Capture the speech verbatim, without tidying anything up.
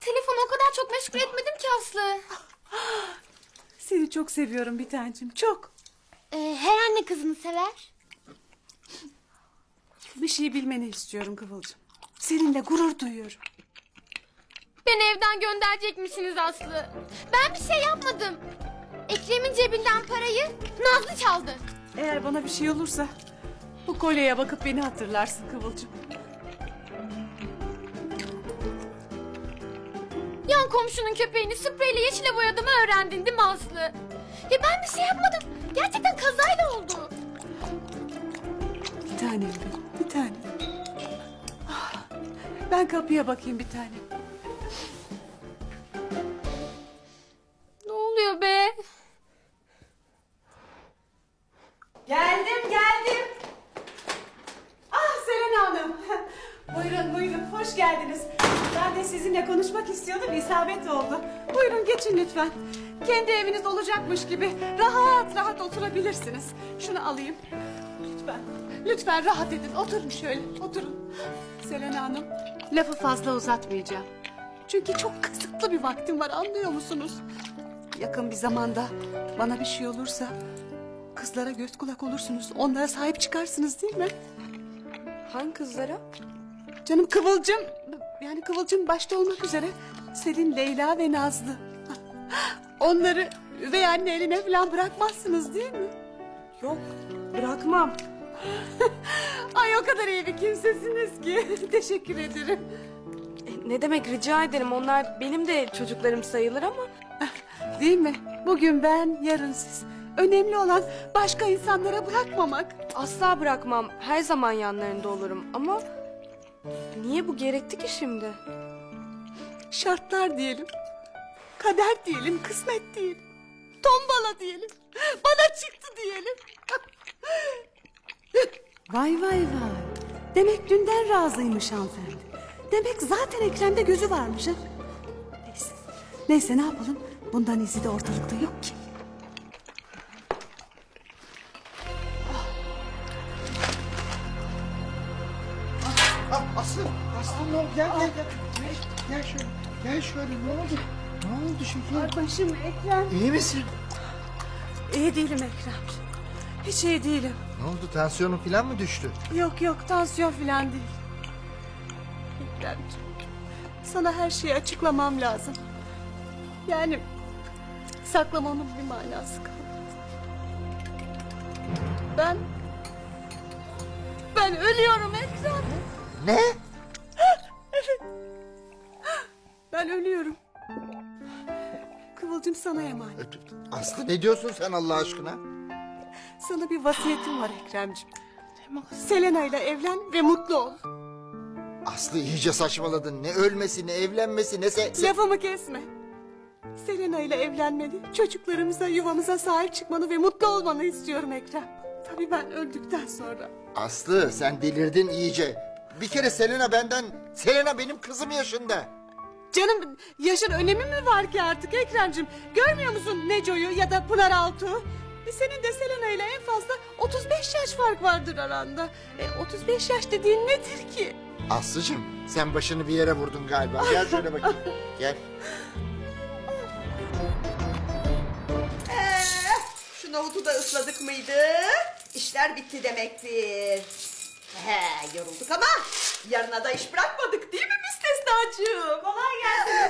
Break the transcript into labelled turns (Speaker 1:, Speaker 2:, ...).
Speaker 1: Telefonu o kadar çok meşgul etmedim ki Aslı.
Speaker 2: Seni çok seviyorum bir tancım, çok.
Speaker 1: Ee, her anne kızını sever.
Speaker 2: Bir şey bilmeni istiyorum Kıvılcım. Seninle gurur duyuyorum.
Speaker 1: Beni evden gönderecek misiniz Aslı? Ben bir şey yapmadım. Ekrem'in cebinden parayı Nazlı çaldı.
Speaker 2: Eğer bana bir şey olursa bu kolyeye bakıp beni hatırlarsın Kıvılcım.
Speaker 1: Yan komşunun köpeğini spreyle yeşile boyadığımı öğrendin değil mi Aslı? Ya ben bir şey yapmadım. Gerçekten kazayla oldu.
Speaker 2: Bir tanem benim, bir tanem. Ah, ben kapıya bakayım bir tanem.
Speaker 1: Ne oluyor be?
Speaker 2: Geldim, geldim. Ah Selena Hanım. Buyurun, buyurun. Hoş geldiniz. Ben de sizinle konuşmak istiyordum, isabet oldu. Buyurun geçin lütfen. Kendi eviniz olacakmış gibi rahat rahat oturabilirsiniz. Şunu alayım. Lütfen, lütfen rahat edin. Oturun şöyle, oturun. Selena Hanım, lafı fazla uzatmayacağım. Çünkü çok kısıtlı bir vaktim var, anlıyor musunuz? Yakın bir zamanda bana bir şey olursa kızlara göz kulak olursunuz. Onlara sahip çıkarsınız değil mi?
Speaker 3: Hangi kızlara?
Speaker 2: Canım Kıvılcım, yani Kıvılcım başta olmak üzere Selin, Leyla ve Nazlı. Onları üvey anne eline falan bırakmazsınız değil mi?
Speaker 3: Yok, bırakmam.
Speaker 2: Ay o kadar iyi bir kimsesiniz ki. Teşekkür ederim.
Speaker 3: E, ne demek, rica ederim. Onlar benim de çocuklarım sayılır ama...
Speaker 2: Değil mi? Bugün ben, yarın siz. Önemli olan başka insanlara bırakmamak.
Speaker 3: Asla bırakmam. Her zaman yanlarında olurum ama... Niye bu gerekti ki şimdi?
Speaker 2: Şartlar diyelim. Kader diyelim, kısmet diyelim. Tombala diyelim. Bana çıktı diyelim. Vay vay vay. Demek dünden razıymış hanımefendi. Demek zaten Ekrem'de gözü varmış ha. Neyse. Neyse ne yapalım? Bundan izi de ortalıkta yok ki.
Speaker 4: Ah, Aslı, Aslı ne oldu? Gel, gel, gel. Gel, gel şöyle. Gel şöyle. Ne oldu? Ne oldu şekerim?
Speaker 2: Ay başım Ekrem.
Speaker 4: İyi misin?
Speaker 2: İyi değilim Ekrem. Hiç iyi değilim.
Speaker 4: Ne oldu? Tansiyonun falan mı düştü?
Speaker 2: Yok yok tansiyon falan değil. Ekremciğim, sana her şeyi açıklamam lazım. Yani saklamamın bir manası kalmadı. Ben... Ben ölüyorum Ekrem.
Speaker 4: Ne?
Speaker 2: Ben ölüyorum. Kıvılcım sana emanet.
Speaker 4: Aslı ne diyorsun sen Allah aşkına?
Speaker 2: Sana bir vasiyetim var Ekremciğim. Selena ile evlen ve mutlu ol.
Speaker 4: Aslı iyice saçmaladın. Ne ölmesi, ne evlenmesi, ne se... se-
Speaker 2: Lafımı kesme. Selena ile evlenmeni, çocuklarımıza, yuvamıza sahip çıkmanı ve mutlu olmanı istiyorum Ekrem. Tabii ben öldükten sonra.
Speaker 4: Aslı sen delirdin iyice. Bir kere Selena benden... Selena benim kızım yaşında.
Speaker 2: Canım yaşın önemi mi var ki artık Ekrem'cim? Görmüyor musun Neco'yu ya da Pınar Altuğ'u? E, senin de Selena ile en fazla otuz beş yaş fark vardır aranda. E, otuz beş yaş dediğin nedir ki?
Speaker 4: Aslıcığım sen başını bir yere vurdun galiba. Gel şöyle bakayım. Gel.
Speaker 5: Şu nohutu da ısladık mıydı? İşler bitti demektir. He, yorulduk ama yarına da iş bırakmadık değil mi müstesnacığım? Kolay gelsin